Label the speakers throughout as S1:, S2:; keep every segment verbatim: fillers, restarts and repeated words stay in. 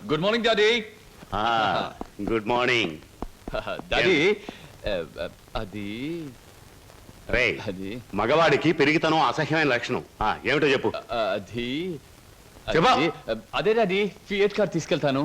S1: Good morning daddy.
S2: Good morning
S1: daddy అది
S2: రే
S1: అది
S2: మగవాడికి పెరిగితనం అసహ్యమైన లక్షణం ఆ, ఏమిటో చెప్పు.
S1: అది
S2: చెప్పా.
S1: అది, అదే డాడీ ఫియట్ కార్ తీసుకెళ్తాను.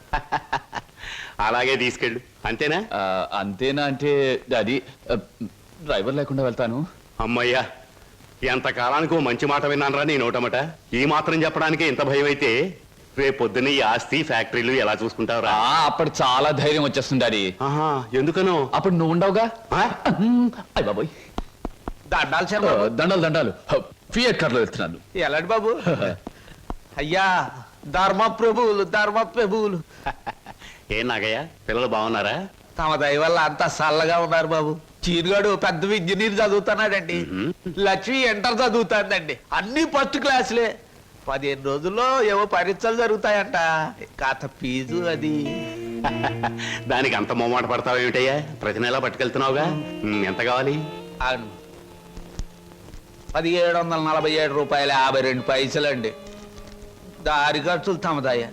S2: అలాగే తీసుకెళ్ళు అంతేనా?
S1: ఆ, అంతేనా అంటే డాడీ డ్రైవర్ లేకుండా వెళ్తాను.
S2: అమ్మయ్యా ఎంత కాలానికి ఓ మంచి మాట విన్నానరా నీ నోటమట. ఈ మాత్రం చెప్పడానికి ఇంత భయం అయితే రేపు పొద్దున్న ఈ ఆస్తి ఫ్యాక్టరీలు ఎలా చూసుకుంటావురా?
S1: ఆ, అప్పుడు చాలా ధైర్యం వచ్చేస్తుంది డాడీ.
S2: ఆహా, ఎందుకనో?
S1: అప్పుడు నువ్వు ఉండవుగా.
S2: ఆ?
S1: అయ్య బాబోయ్,
S3: దండాలు
S1: ఆ,
S3: చెప్పు.
S1: దండాలు దండాలు ఫియట్ కార్ లో వెళ్తున్నాను.
S3: ఎలాంటి బాబు? అయ్యా ధర్మ ప్రభువులు ధర్మ ప్రభువులు
S2: ఏం నాగయ్య పిల్లలు బాగున్నారా?
S3: తమ దయ వల్ల అంతా చల్లగా ఉన్నారు బాబు. చీరుగాడు పెద్ద ఇంజనీర్ చదువుతున్నాడండి. లక్ష్మి ఇంటర్ చదువుతాందండి. అన్ని ఫస్ట్ క్లాసులే. పదిహేను రోజుల్లో ఏవో పరీక్షలు జరుగుతాయంట. కాత ఫీజు అది.
S2: దానికి అంత మొమ్మాట పడతావు ఏమిటయ్యా? ప్రతి నెలా పట్టుకెళ్తున్నావుగా. ఉమ్, ఎంత కావాలి?
S3: అవును, పదిహేడు వందల నలభై ఏడు రూపాయల యాభై రెండు పైసలండి. దారి ఖర్చులు తమదయ్యా.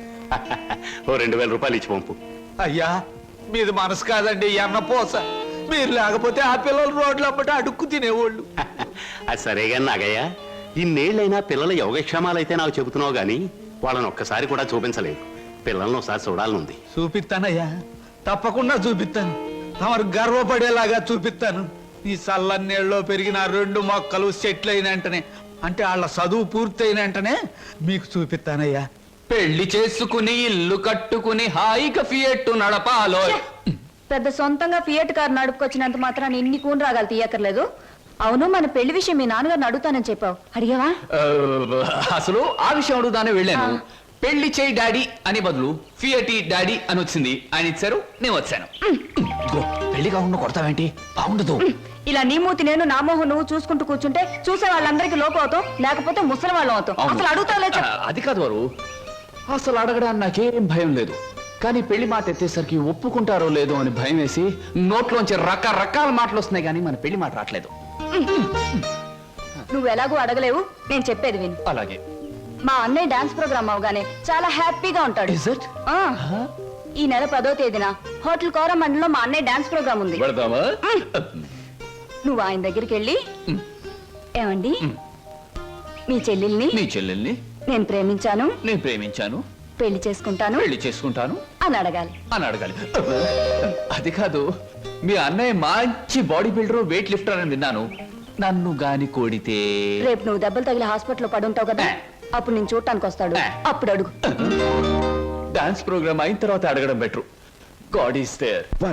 S2: ఓ రెండు వేల రూపాయలు ఇచ్చి పంపు.
S3: అయ్యా మీది మనసు కాదండి, ఎన్న పోస. మీరు లేకపోతే ఆ పిల్లలు రోడ్లు అమ్మట అడుక్కు తినేవాళ్ళు.
S2: అది సరేగా నాగయ్య, ఇన్నేళ్ళైనా పిల్లల యోగక్షేమాలైతే నాకు చెబుతున్నావు గాని వాళ్ళని ఒక్కసారి కూడా చూపించలేదు. పిల్లల్ని ఒకసారి చూడాలనుంది.
S3: చూపిస్తానయ్యా, తప్పకుండా చూపిస్తాను. తమరు గర్వపడేలాగా చూపిస్తాను. ఈ చల్లన్నేళ్ళలో పెరిగిన రెండు మొక్కలు సెట్లు అయిన వెంటనే, అంటే వాళ్ళ చదువు పూర్తయిన వెంటనే మీకు చూపిస్తానయ్యా.
S1: పెళ్లి చేసుకుని ఇల్లు కట్టుకుని హాయిగా ఫియట్ నడపాలో.
S4: పెద్ద సొంతంగా ఫియట్ కార్ నడుపుకొచ్చినంత మాత్రాన్ని ఇన్ని కూని రాగాలు తీయక్కర్లేదు. అవును, మన పెళ్లి విషయం మీ నాన్నగారిని అడుగుతానని చెప్పావు, అడిగావా?
S1: ఆ, అసలు ఆ విషయం అడుగుదానే వెళ్ళాను. పెళ్లి చేయి డాడీ అని బదులు ఫియటి డాడీ అని వచ్చింది. ఆయన ఇచ్చారు, నేను వచ్చాను. ఇదిగో, పెళ్లి కాకుండా కొడతావేంటి? బాగుండదు.
S4: ఇలా నీ మూతి నేను నా మోహం నువ్వు చూసుకుంటూ కూర్చుంటే చూసే వాళ్ళందరికీ లోపం అవుతాం, లేకపోతే ముసలి వాళ్ళం అవుతాం.
S1: అవును.
S4: అసలు అడుగుతావులే
S1: ఆ, అది కాదు వారు, అసలు అడగడానికి నాకేం భయం లేదు. కానీ పెళ్లి మాట ఎత్తేసరికి ఒప్పుకుంటారో లేదో అని భయం వేసి నోట్లోంచి రకరకాల మాటలు వస్తున్నాయి, కానీ మన పెళ్లి మాట రావట్లేదు.
S4: నువ్వు ఎలాగో అడగలేవు, నేను చెప్పేది విను.
S1: అలాగే.
S4: మా అన్నయ్య డాన్స్ ప్రోగ్రామ్ అవగానే చాలా హ్యాపీగా ఉంటాడు.
S1: Is it?
S4: ఆ, ఈ నెల పదో తేదీన హోటల్ కోరమండలో మా అన్నయ్య డాన్స్ ప్రోగ్రామ్ ఉంది.
S1: పెడదామా?
S4: నువ్వు ఆయన దగ్గరికి వెళ్ళి, ఏమండి మీ చెల్లెల్ని
S1: నీ చెల్లెల్ని
S4: నేను ప్రేమించాను,
S1: నేను ప్రేమించాను,
S4: పెళ్లి చేసుకుంటాను
S1: పెళ్లి చేసుకుంటాను
S4: అని అడగాలి.
S1: అని అడగాలి. అది కాదు, మీ అన్నయ్య మంచి బాడీ బిల్డర్, వెయిట్ లిఫ్టర్ అని విన్నాను. నన్ను గాని కోడితే
S4: రేపు నువ్వు దెబ్బలు తగిలి హాస్పిటల్లో పడుంటావు కదా, అప్పుడు నేను చూడటానికి వస్తాడు, అప్పుడు అడుగు.
S1: డాన్స్ ప్రోగ్రామ్ అయిన తర్వాత అడగడం బెటర్. God is there.